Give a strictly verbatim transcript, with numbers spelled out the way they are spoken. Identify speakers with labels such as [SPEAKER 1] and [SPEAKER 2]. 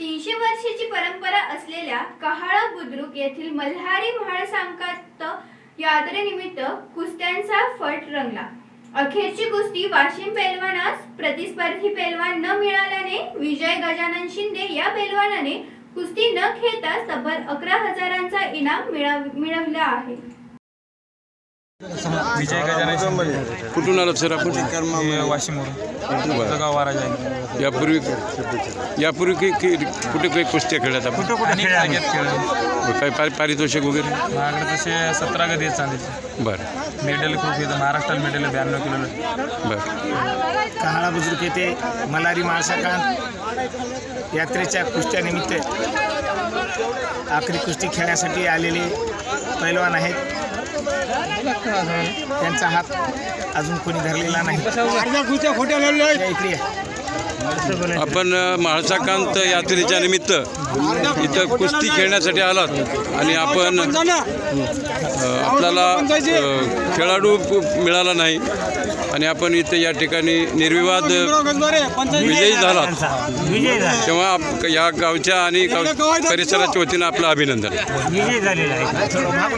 [SPEAKER 1] तीनशे वर्षाची परंपरा असलेल्या कहाळा बुद्रुक येथील मल्हारी महासंकांत यात्रेनिमित्त कुस्त्यांचा फट रंगला। अखेरची कुस्ती वाशिम पैलवानास प्रतिस्पर्धी पैलवान न मिळाल्याने विजय गजानन शिंदे या पैलवानाने कुस्ती न खेळता तब्बल अकरा हजारांचा इनाम मिळवला आहे।
[SPEAKER 2] विजय गजानन शिंदे
[SPEAKER 3] कुठून आलात सर आपण?
[SPEAKER 2] वाशिमवरून गाव वारा जाईल।
[SPEAKER 3] यापूर्वी यापूर्वी की की कुठे काही कुस्त्या खेळल्यात आपण?
[SPEAKER 2] कुठं कुठे खेळले
[SPEAKER 3] काय पारि पारितोषिक वगैरे?
[SPEAKER 2] माझ्याकडे तसे सतरा गदी आहेत चांदीचे।
[SPEAKER 3] बरं
[SPEAKER 2] मेडल खूप येतं, महाराष्ट्रात मेडल ब्याण्णव किलो।
[SPEAKER 3] बरं
[SPEAKER 4] कहाळा बुद्रुक येथे मल्हारी महासंकांत यात्रेच्या कुस्त्यानिमित्त आखरी कुस्ती खेळण्यासाठी आलेले पैलवान आहेत। त्यांचा हात अजून कोणी धरलेला नाही। इकडे
[SPEAKER 3] आपण म्हाळसाकांत यात्रेच्या निमित्त इथं कुस्ती खेळण्यासाठी आलात आणि आपण आपल्याला खेळाडू मिळाला नाही आणि आपण इथे या ठिकाणी निर्विवाद विजयी झालात, तेव्हा या गावच्या आणि गाव परिसराच्या वतीनं आपलं अभिनंदन।